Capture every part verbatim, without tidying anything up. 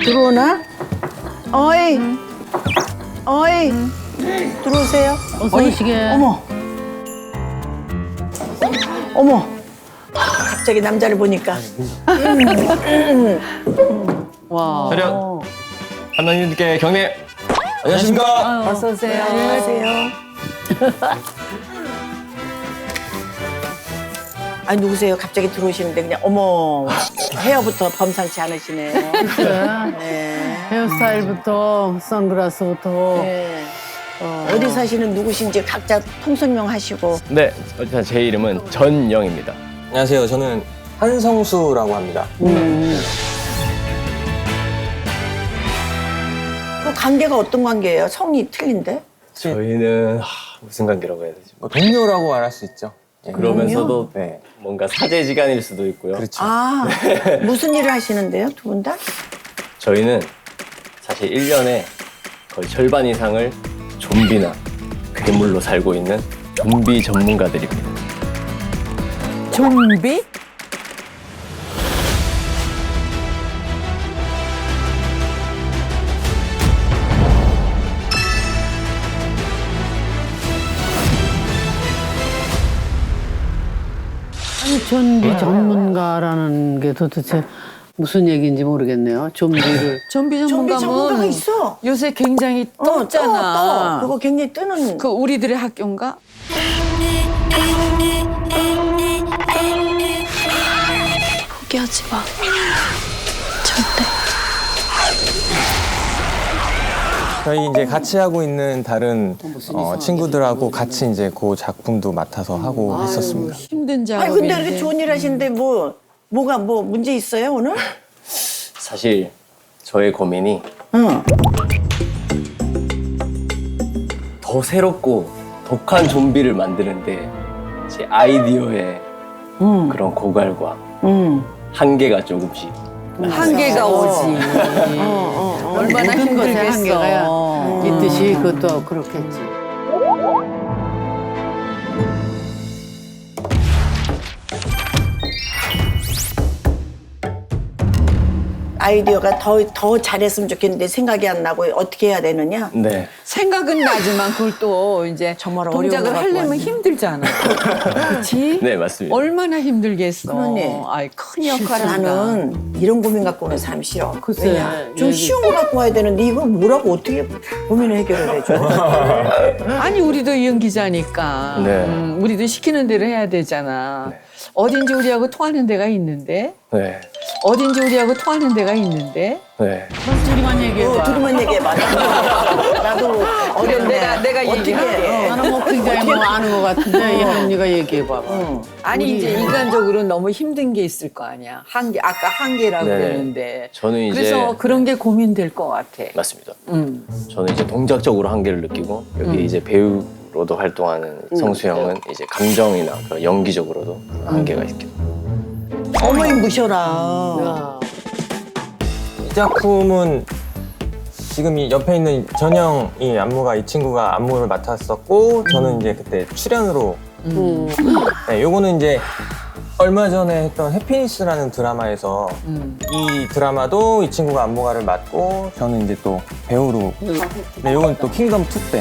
들어오나? 어이, 어이, 들어오세요. 어서 오시게. 어머, 어머. 갑자기 남자를 보니까. 와. 차렷. 한남님께 경례. 안녕하십니까. 어서 오세요. 안녕하세요. 아니 누구세요? 갑자기 들어오시는데 그냥 어머 헤어부터 범상치 않으시네요. 네. 헤어스타일부터 선글라스부터. 네. 어, 어디 사시는 누구신지 각자 통설명 하시고. 네, 일단 제 이름은 전영입니다. 안녕하세요. 저는 한성수라고 합니다. 음. 그 관계가 어떤 관계예요? 성이 틀린데? 저희는 하, 무슨 관계라고 해야 되지? 뭐 동료라고 말할 수 있죠. 예. 그러면서도 네. 뭔가 사제지간일 수도 있고요. 그렇죠. 아 무슨 일을 하시는데요? 두 분 다? 저희는 사실 일 년에 거의 절반 이상을 좀비나 괴물로 살고 있는 좀비 전문가들입니다. 좀비? 아니, 좀비 전문가라는 게 도대체 무슨 얘기인지 모르겠네요. 좀비를. 좀비 좀비 전문가가 전문가면 있어. 요새 굉장히 어, 떠, 떴잖아. 떠. 그거 굉장히 뜨는. 그 우리들의 학교인가? 포기하지 마. 절대. 저희 이제 같이 하고 있는 다른 어, 친구들하고 같이 이제 그 작품도 맡아서 하고 했었습니다. 힘든 아니 작업인데. 근데 이렇게 좋은 일 하시는데 뭐 뭐가 뭐 문제 있어요 오늘? 사실 저의 고민이 응. 더 새롭고 독한 좀비를 만드는데 제 아이디어의 응. 그런 고갈과 응. 한계가 조금씩 한계가 오지. 어, 어. 얼마나 모든 것에 한계가 힘들겠어. 있듯이 그것도 그렇겠지. 아이디어가 더, 더 잘했으면 좋겠는데 생각이 안 나고 어떻게 해야 되느냐? 네. 생각은 나지만 그걸 또 이제 정말 어려운 동작을 것 같고 하려면 왔네. 힘들잖아. 그렇지? 네, 맞습니다. 얼마나 힘들겠어. 그러네. 아이 큰 역할을 한다. 나는 이런 고민 갖고 오는 사람 싫어. 글쎄, 왜냐? 좀 얘기- 쉬운 거 갖고 와야 되는데 이걸 뭐라고 어떻게 고민을 해결을 해줘? 아니 우리도 연기자니까. 네. 음, 우리도 시키는 대로 해야 되잖아. 네. 어딘지 우리하고 통하는 데가 있는데. 네. 어딘지 우리하고 통하는 데가 있는데. 네. 둘이만 얘기해봐. 어, 둘이만 얘기해봐. 나도, 나도 어렵네. 내가- 내가 어떻게 얘기할게. 해? 나는 뭐 굉장히 뭐 아는 것 같은데, 이 언니가 얘기해봐. 응. 아니 이제 인간적으로 너무 힘든 게 있을 거 아니야. 한계 아까 한계라고 네. 그랬는데. 저는 이제 그래서 그런 게 고민될 것 같아. 맞습니다. 음. 저는 이제 동작적으로 한계를 느끼고 여기 이제 배우로도 활동하는 성수 형은 이제 감정이나 그런 연기적으로도 한계가 있겠죠. 어머니 무셔라. 야. 이 작품은 지금 이 옆에 있는 전영이 안무가 이 친구가 안무를 맡았었고 저는 이제 그때 출연으로 음. 네, 요거는 이제 얼마 전에 했던 해피니스라는 드라마에서 음. 이 드라마도 이 친구가 안무가를 맡고 저는 이제 또 배우로 네, 요건 또 킹덤 투 때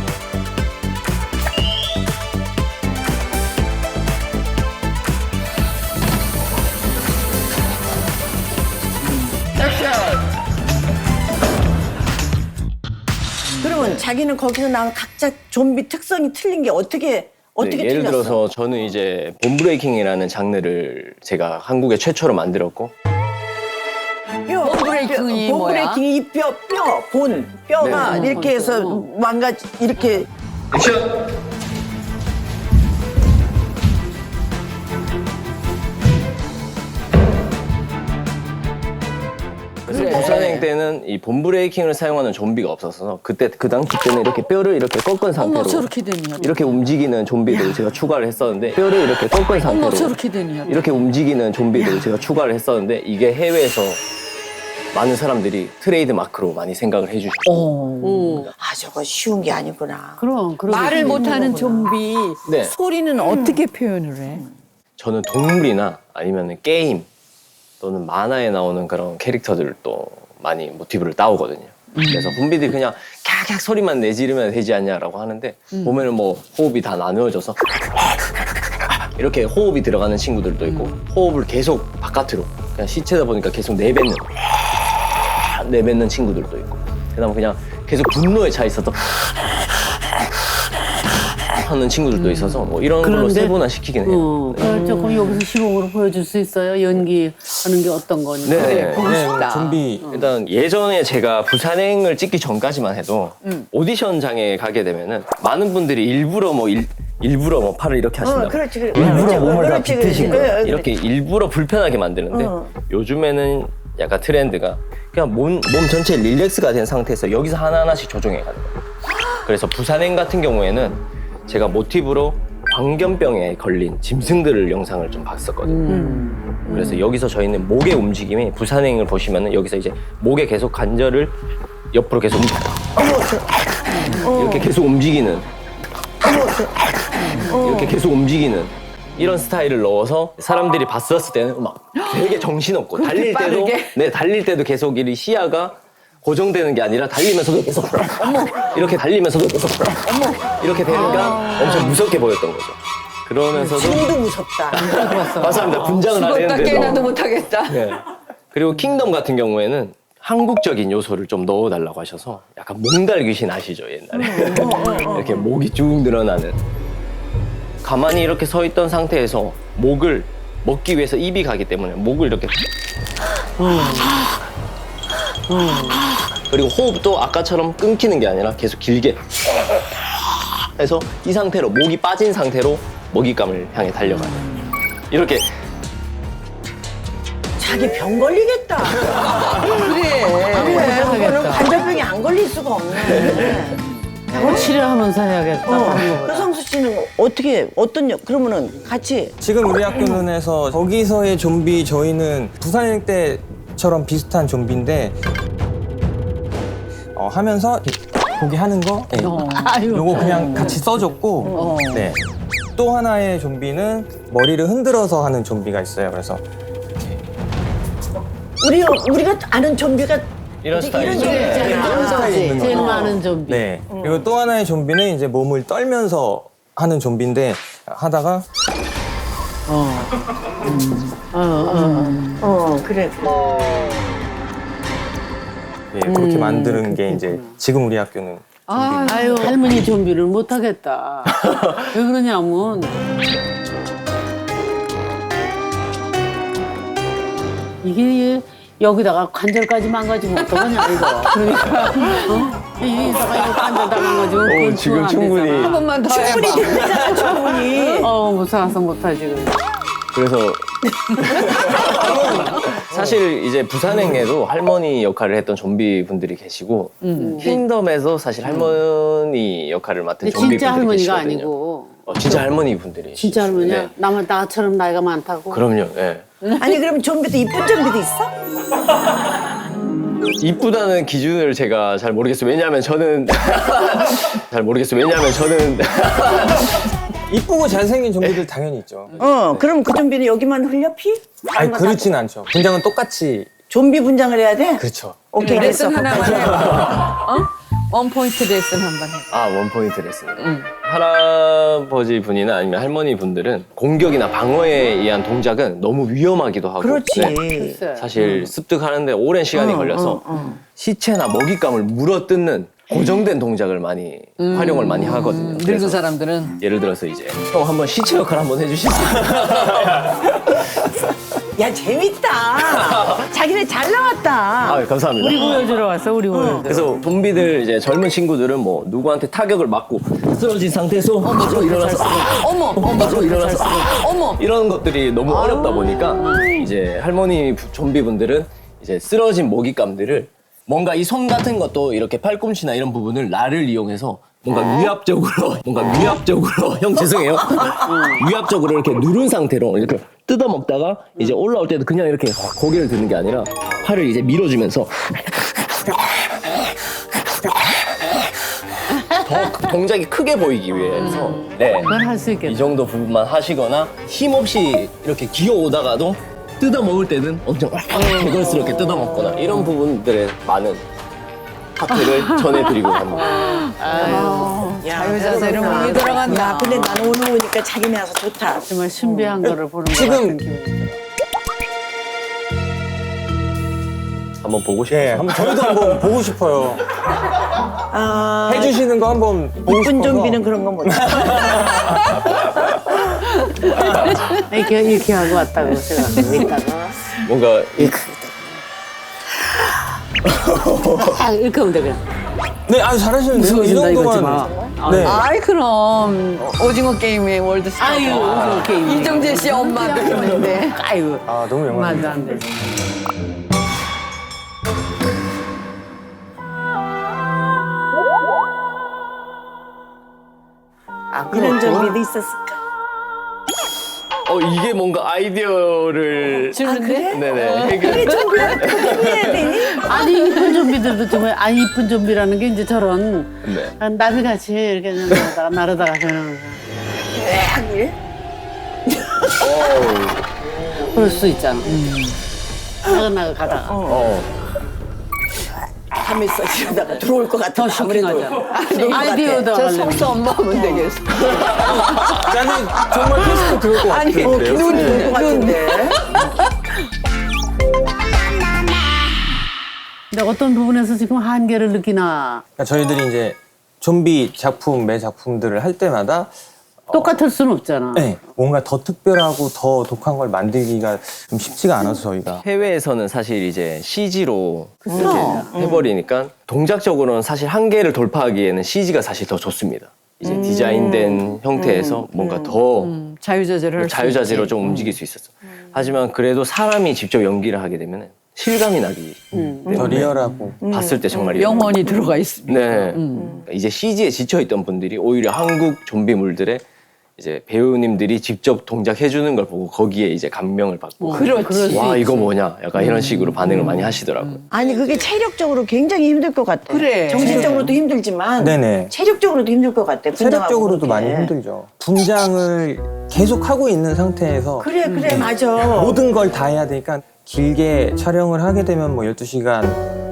그러면 자기는 거기서 나온 각자 좀비 특성이 틀린 게 어떻게 어떻게 네, 예를 틀렸어? 들어서 저는 이제 본브레이킹이라는 장르를 제가 한국에 최초로 만들었고 뼈, 본브레이킹이 뼈, 뭐야? 본브레이킹이 이 뼈, 뼈, 본, 뼈가 네. 이렇게 해서 망가지 이렇게 그래서 그래. 부산행 때는 이 본브레이킹을 사용하는 좀비가 없어서 그때 그 당시 때는 이렇게 뼈를 이렇게 꺾은 상태로 어머 저렇게 되냐. 이렇게 움직이는 좀비들을 제가 추가를 했었는데 뼈를 이렇게 꺾은 상태로 어머 저렇게 되냐. 이렇게 움직이는 좀비들을 제가 추가를 했었는데 이게 해외에서 많은 사람들이 트레이드 마크로 많이 생각을 해주시고 어. 아 저거 쉬운 게 아니구나. 그럼, 그럼. 말을 못하는 좀비 네. 소리는 어떻게 표현을 해? 저는 동물이나 아니면 게임 또는 만화에 나오는 그런 캐릭터들을 또 많이 모티브를 따오거든요. 그래서 좀비들이 그냥 캬캬 소리만 내지르면 되지 않냐라고 하는데 보면은 뭐 호흡이 다 나누어져서 이렇게 호흡이 들어가는 친구들도 있고 호흡을 계속 바깥으로 그냥 시체다 보니까 계속 내뱉는 내뱉는 친구들도 있고 그다음에 그냥 계속 분노에 차 있어서 하는 친구들도 있어서 뭐 이런 걸로 그런데- 세분화 시키긴 해요. 어, 그걸 조금 여기서 시범으로 보여줄 수 있어요? 연기하는 게 어떤 건지. 네. 보고 네, 싶다. 좀비 일단 예전에 제가 부산행을 찍기 전까지만 해도 오디션장에 가게 되면은 많은 분들이 일부러 뭐 일, 일부러 뭐 팔을 이렇게 하신다. 어, 그렇지, 그래. 일부러 그렇지, 몸을 다 그렇지, 비트시고 그렇지. 그래, 이렇게 일부러 불편하게 만드는데 어. 요즘에는 약간 트렌드가 그냥 몸, 몸 전체 릴렉스가 된 상태에서 여기서 하나하나씩 조정해 가는 거예요. 그래서 부산행 같은 경우에는 제가 모티브로 광견병에 걸린 짐승들을 영상을 좀 봤었거든요. 그래서 여기서 저희는 목의 움직임이 부산행을 보시면은 여기서 이제 목에 계속 관절을 옆으로 계속 움직 이렇게 계속 움직이는 이렇게 계속 움직이는 이런 스타일을 넣어서 사람들이 봤었을 때는 막 되게 정신없고 달릴 때도 빠르게? 네 달릴 때도 계속 이 시야가 고정되는 게 아니라 달리면서도 계속 이렇게 달리면서도 계속 이렇게 되니까 엄청 무섭게 보였던 거죠. 그러면서도 지금도 무섭다. 맞습니다. 분장을 죽었다 하는데도 깨나도 못하겠다. 네. 그리고 킹덤 같은 경우에는 한국적인 요소를 좀 넣어달라고 하셔서 약간 몽달 귀신 아시죠 옛날에 이렇게 목이 쭉 늘어나는 가만히 이렇게 서 있던 상태에서 목을 먹기 위해서 입이 가기 때문에 목을 이렇게 그리고 호흡도 아까처럼 끊기는 게 아니라 계속 길게 해서 이 상태로 목이 빠진 상태로 먹잇감을 향해 달려가요. 이렇게 자기 병 걸리겠다. 그래. 그래, 그거는 관절병이 안 걸릴 수가 없네. 그거 치료하면서 해야겠다. 어. 하는 거보다. 효성수 씨는 어떻게, 어떤, 역- 그러면은 같이 지금 우리 학교는에서 거기서의 좀비 저희는 부산행 때처럼 비슷한 좀비인데 어, 하면서 거기 하는 거 네. 아유. 요거 그냥 같이 써줬고 네. 또 하나의 좀비는 머리를 흔들어서 하는 좀비가 있어요. 그래서 우리, 우리가 아는 좀비가 이런 스타일. 이런 좀비 있잖아. 이런 스타일이 있는 제일 거죠. 많은 좀비. 네. 그리고 또 하나의 좀비는 이제 몸을 떨면서 하는 좀비인데 하다가 어. 어, 어. 어, 그래. 예, 그렇게 만드는 게 이제 지금 우리 학교는 아, 아유, 할머니 좀비를 못 하겠다. 왜 그러냐면 이게 여기다가 관절까지 망가지면 어떡하냐 이거. 그러니까 어? 여기다가 이거 관절 다 망가지면 그건 어, 지금 안 충분히. 되잖아. 한 번만 더 해봐. 되잖아, 충분히. 어, 무서워서 못하지 그래. 그래서 사실 이제 부산행에도 할머니 역할을 했던 좀비 분들이 계시고 킹덤에서 사실 할머니 역할을 맡은 근데 좀비 진짜 분들이 할머니가 계시거든요. 아니고 어, 진짜 할머니 분들이 진짜 할머니야. 네. 나만 나처럼 나이가 많다고. 그럼요. 예. 아니, 그럼 좀비도 이쁜 좀비도 있어? 이쁘다는 기준을 제가 잘 모르겠어요. 왜냐하면 저는 잘 모르겠어요. 왜냐하면 저는 이쁘고 잘생긴 좀비들 당연히 있죠. 어, 그럼 그 좀비는 여기만 흘려 피? 아니 그렇진 않죠. 분장은 똑같이 좀비 분장을 해야 돼? 그렇죠. 오케이, 됐어. 레슨 하나만 해봐. 어? 원 포인트 레슨 한번 해봐. 아 원포인트 레슨. 할아버지 분이나 아니면 할머니 분들은 공격이나 방어에 의한 동작은 너무 위험하기도 하고 그렇지. 네. 글쎄. 사실 습득하는데 오랜 시간이 어, 걸려서 어, 어. 시체나 먹잇감을 물어뜯는 고정된 동작을 많이 활용을 많이 하거든요. 늙은 그래서 사람들은 예를 들어서 이제 형 한번 시체 역할 한번 해주실 수 있어요? 야, 재밌다. 자기네 잘 나왔다. 아 감사합니다. 우리 보여주러 왔어, 우리 보여주러. 그래서 좀비들 이제 젊은 친구들은 뭐 누구한테 타격을 맞고 쓰러진 상태에서 바로 일어나서 어머, 어머, 바로 일어나서 어머. 이런 것들이 너무 어렵다 보니까 이제 할머니 부- 좀비분들은 이제 쓰러진 먹잇감들을 뭔가 이 손 같은 것도 이렇게 팔꿈치나 이런 부분을 날을 이용해서 뭔가 위압적으로 뭔가 위압적으로 형 죄송해요 위압적으로 이렇게 누른 상태로 이렇게 뜯어 먹다가 이제 올라올 때도 그냥 이렇게 고개를 드는 게 아니라 팔을 이제 밀어주면서 더 동작이 크게 보이기 위해서 네. 그건 할 수 이 있겠다. 정도 부분만 하시거나 힘없이 이렇게 기어오다가도 뜯어 먹을 때는 엄청 개걸스럽게 뜯어 먹거나 이런 부분들에 많은 핫팩을 전해드리고 갑니다. 자유자재로 몸이 들어간다. 야, 근데 나는 오늘 오니까 자기네 와서 좋다. 정말 신비한 거를 보는 것 지금- 같은 기분이 들어. 한번 보고 싶어요. 예, 한번 저희도 한번 보고 싶어요. 아, 해주시는 거 한번 보고 이쁜 싶어서. 좀비는 그런 건 못해. 이렇게, 이렇게 하고 왔다고 제가 이따가 뭔가 이- 아, 이렇게 하면 되겠다. 네, 아주 잘하시는데요. 이 웃어준다, 이거지 정도만. 마. 네. 아이 그럼 오징어 게임의 월드스타. 아유, 오징어 게임. 이정재 씨 엄마도 했는데. 아이고, 아, 너무 말도 영광입니다. 안 돼. 아, 그런 좀비도 있었을까? 어 이게 뭔가 아이디어를 주는데? 네네 해결. 해야 되니? 아니, 이쁜 좀비들도 정말, 아니, 이쁜 좀비라는 게 이제 저런, 네. 나비같이 이렇게 나르다가, 나르다가 그러는 왜 이래? 그럴 수 있잖아. 나가나가 가다가. 어. 하면서 이러다가 들어올 것 같아. 더 쇼킹하잖아. 아이디어도 저 하려면. 속수 엄마 하면 되겠어. 나는 정말 테스트 들을 것 아니, 같아요. 어, 그래요? 눈 네. 들어올 것 같은데. 근데 어떤 부분에서 지금 한계를 느끼나. 그러니까 저희들이 이제 좀비 작품, 매 작품들을 할 때마다 똑같을 수는 없잖아. 네, 뭔가 더 특별하고 더 독한 걸 만들기가 좀 쉽지가 않아서 저희가. 해외에서는 사실 이제 씨지로 이렇게 해버리니까 동작적으로는 사실 한계를 돌파하기에는 씨지가 사실 더 좋습니다. 이제 디자인된 형태에서 뭔가 더 음, 자유자재를 할수 자유자재로 있지. 좀 움직일 수 있었어. 하지만 그래도 사람이 직접 연기를 하게 되면 실감이 나기 더 때문에 리얼하고. 봤을 때 정말 영혼이 들어가 있습니다. 네. 이제 씨지에 지쳐있던 분들이 오히려 한국 좀비물들에 이제 배우님들이 직접 동작해주는 걸 보고 거기에 이제 감명을 받고 그렇지. 그럴 수 와 있지. 이거 뭐냐 약간 이런 식으로 반응을 많이 하시더라고요. 아니, 그게 체력적으로 굉장히 힘들 것 같아. 그래. 정신적으로도 힘들지만. 네네. 체력적으로도 힘들 것 같아. 체력적으로도 분장하고 많이 그렇게. 힘들죠. 분장을 계속 하고 있는 상태에서 그래, 그래, 맞아. 모든 걸 다 해야 되니까 길게 촬영을 하게 되면 뭐 열두 시간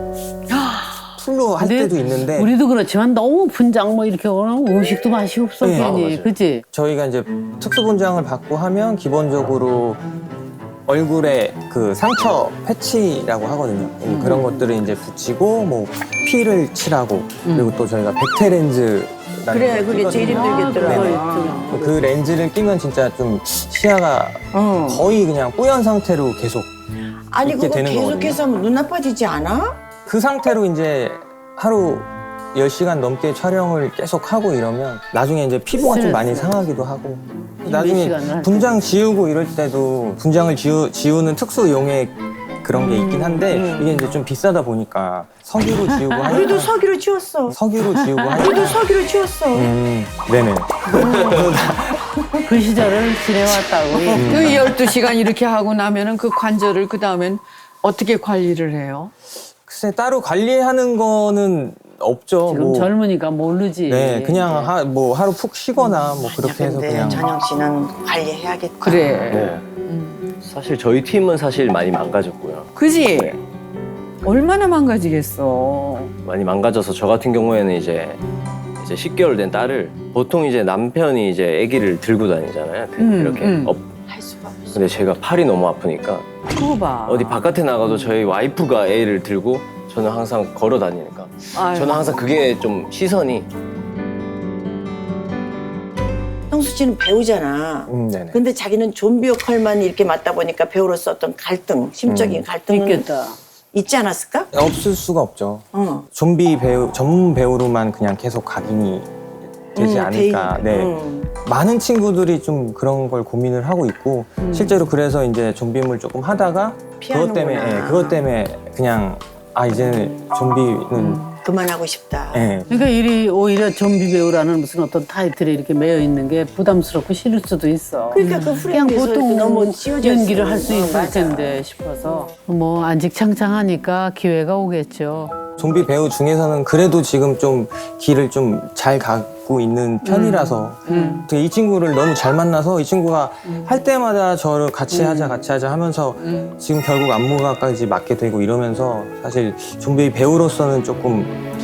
풀로 할 근데 때도 있는데 우리도 그렇지만 너무 분장 뭐 이렇게 하면 음식도 맛이 없어. 네. 괜히. 아, 맞아요. 그치? 저희가 이제 특수 분장을 받고 하면 기본적으로 얼굴에 그 상처 패치라고 하거든요. 음, 그런 것들을 이제 붙이고 뭐 피를 칠하고 그리고 또 저희가 백태 렌즈 그래, 그게 제일 힘들겠더라고. 네. 그 렌즈를 끼면 진짜 좀 시야가 어. 거의 그냥 뿌연 상태로 계속 아니, 있게 그거 되는 계속해서 하면 눈 나빠지지 않아? 그 상태로 이제 하루 열 시간 넘게 촬영을 계속 하고 이러면 나중에 이제 피부가 좀 많이 상하기도 하고 나중에 시간을 할 분장 지우고 이럴 때도 분장을 지우, 지우는 특수 용액 그런 게 있긴 한데 이게 이제 좀 비싸다 보니까 석유로 지우고 우리도 하니까 서기로 치웠어. 석유로 지우고 우리도 하니까 서기로 치웠어. 음, 네네. 그 시절을 지내왔다고. 그 열두 시간 이렇게 하고 나면은 그 관절을 그 다음엔 어떻게 관리를 해요? 글쎄 따로 관리하는 거는 없죠. 지금 뭐. 젊으니까 모르지. 네, 그냥 하, 뭐 하루 푹 쉬거나 뭐 그렇게 해서 근데 그냥. 전영 씨는 관리해야겠다. 그래. 네. 사실 저희 팀은 사실 많이 망가졌고요. 그지? 네. 얼마나 망가지겠어. 많이 망가져서 저 같은 경우에는 이제 이제 십 개월 된 딸을 보통 이제 남편이 이제 아기를 들고 다니잖아요. 음, 이렇게 음. 업. 할 수가 없어. 근데 제가 팔이 너무 아프니까 그거 봐. 어디 바깥에 나가도 저희 와이프가 애를 들고 저는 항상 걸어 다니니까 아유. 저는 항상 그게 좀 시선이 형수 씨는 배우잖아. 음, 네네. 근데 자기는 좀비 역할만 이렇게 맡다 보니까 배우로서 어떤 갈등, 심적인 갈등은 있겠다. 있지 않았을까? 없을 수가 없죠. 어. 좀비 배우 전문 배우로만 그냥 계속 각인이 되지 음, 않을까. 대- 네. 음. 많은 친구들이 좀 그런 걸 고민을 하고 있고 실제로 그래서 이제 좀비물 조금 하다가 그것 때문에 피하는구나. 예, 그것 때문에 그냥 아 이제는 좀비는 그만하고 싶다. 예. 그러니까 이 오히려 좀비 배우라는 무슨 어떤 타이틀에 이렇게 매여 있는 게 부담스럽고 싫을 수도 있어. 그러니까 그 그냥 프레임에서 보통 너무 씌워져 연기를 있으면. 할 수 어, 있을 맞아. 텐데 싶어서 뭐 안직창창하니까 기회가 오겠죠. 좀비 배우 중에서는 그래도 지금 좀 길을 좀 잘 가고 갖고 있는 편이라서 음. 되게 이 친구를 너무 잘 만나서 이 친구가 할 때마다 저를 같이 하자 같이 하자 하면서 음. 지금 결국 안무가까지 맡게 되고 이러면서 사실 좀비 배우로서는 조금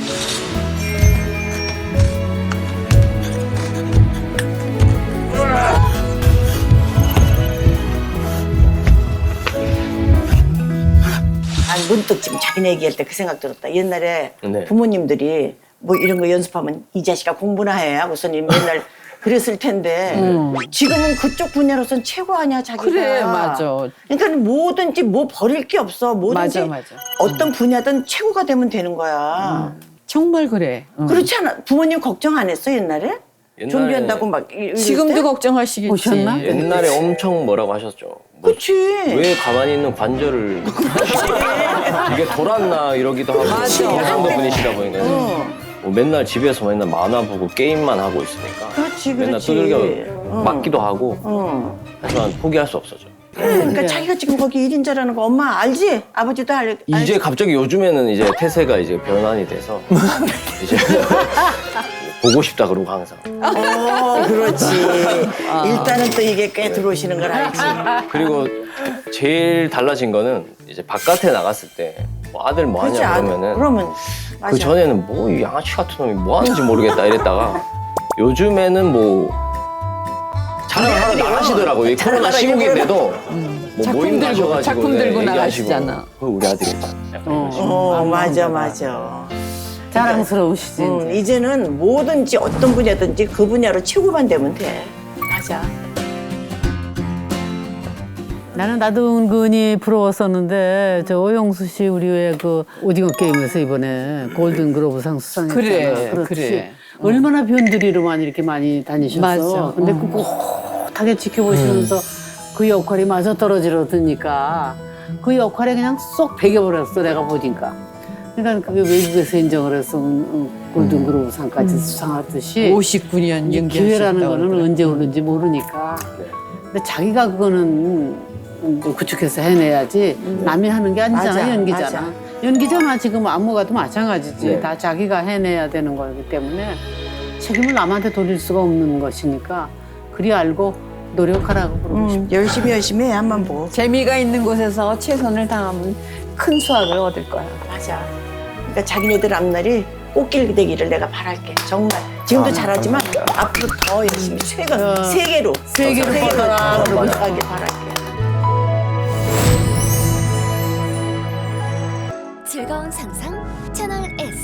아니 문득 지금 자기네 얘기할 때 그 생각 들었다. 옛날에 네. 부모님들이 뭐 이런 거 연습하면 이 자식아 공부나 해 하고서 맨날 그랬을 텐데 지금은 그쪽 분야로선 최고 아니야 자기가. 그래, 맞아. 그러니까 뭐든지 뭐 버릴 게 없어. 뭐든지 맞아, 맞아. 어떤 분야든 최고가 되면 되는 거야. 정말 그래. 응. 그렇지 않아? 부모님 걱정 안 했어 옛날에? 옛날에- 좀비한다고 막 이- 이럴 지금도 때? 걱정하시겠지. 오셨나? 옛날에 엄청 뭐라고 하셨죠. 뭐 그치. 왜 가만히 있는 관절을 이게 돌았나 이러기도 하고 맞아. 경상도 분이시다 보니까 어. 뭐 맨날 집에서 맨날 만화 보고 게임만 하고 있으니까 그렇지, 맨날 그렇지. 두들겨 어. 맞기도 하고 어. 하지만 포기할 수 없었죠. 그러니까 자기가 지금 거기 일 인자라는 거 엄마 알지? 아버지도 알. 이제 갑자기 요즘에는 이제 태세가 이제 변환이 돼서 이제 보고 싶다 그러고 항상. 어, 그렇지. 일단은 또 이게 꽤 들어오시는 걸 알지. 그리고 제일 달라진 거는 이제 바깥에 나갔을 때 뭐 아들 뭐 그렇지. 하냐 아, 그러면은 그러면 맞아. 그 전에는 뭐 이 양아치 같은 놈이 뭐 하는지 모르겠다 이랬다가 요즘에는 뭐 자랑을 하나도 안 하시더라고요. 이 코로나 시국인데도 뭐 작품 모임 들고, 가셔가지고 작품 네, 들고 얘기하시고 나가시잖아. 그 우리 아들이다. 약간 이런 식으로. 어, 맞아, 맞아. 자랑스러우시지. 음, 이제. 이제는 뭐든지 어떤 분야든지 그 분야로 최고만 되면 돼. 맞아. 나는 나도 은근히 부러웠었는데 저 오영수 씨 우리 왜 그 오징어 게임에서 이번에 골든 글로브상 수상했잖아. 그래, 그렇지. 그래. 얼마나 변두리로만 이렇게 많이 다니셨어. 맞아. 근데 어. 꿋꿋하게 지켜보시면서 그 역할이 마저 떨어지러 드니까 그 역할에 그냥 쏙 배겨버렸어 내가 보니까. 그러니까 그게 외국에서 인정을 해서 음, 음, 골든 글로브상까지 수상하듯이 오십구 년 이 연기하셨다고 기회라는 거는 그러더라고요. 언제 오는지 모르니까. 네. 근데 자기가 그거는 이제 구축해서 해내야지 남이 하는 게 아니잖아. 맞아, 연기잖아. 맞아. 연기잖아. 지금 안무가도 마찬가지지. 네. 다 자기가 해내야 되는 거기 때문에 책임을 남한테 돌릴 수가 없는 것이니까 그리 알고 노력하라고 그러고 싶어. 음, 열심히 열심히 해, 한번 보고. 재미가 있는 곳에서 최선을 다하면 큰 수확을 얻을 거야. 맞아. 그러니까 자기네들 앞날이 꽃길 되기를 내가 바랄게. 정말. 지금도 잘하지만 앞으로 더 열심히 최근 어. 세계로 세계로 뻗어라. 더 나가길 바랄게. 즐거운 상상 채널 S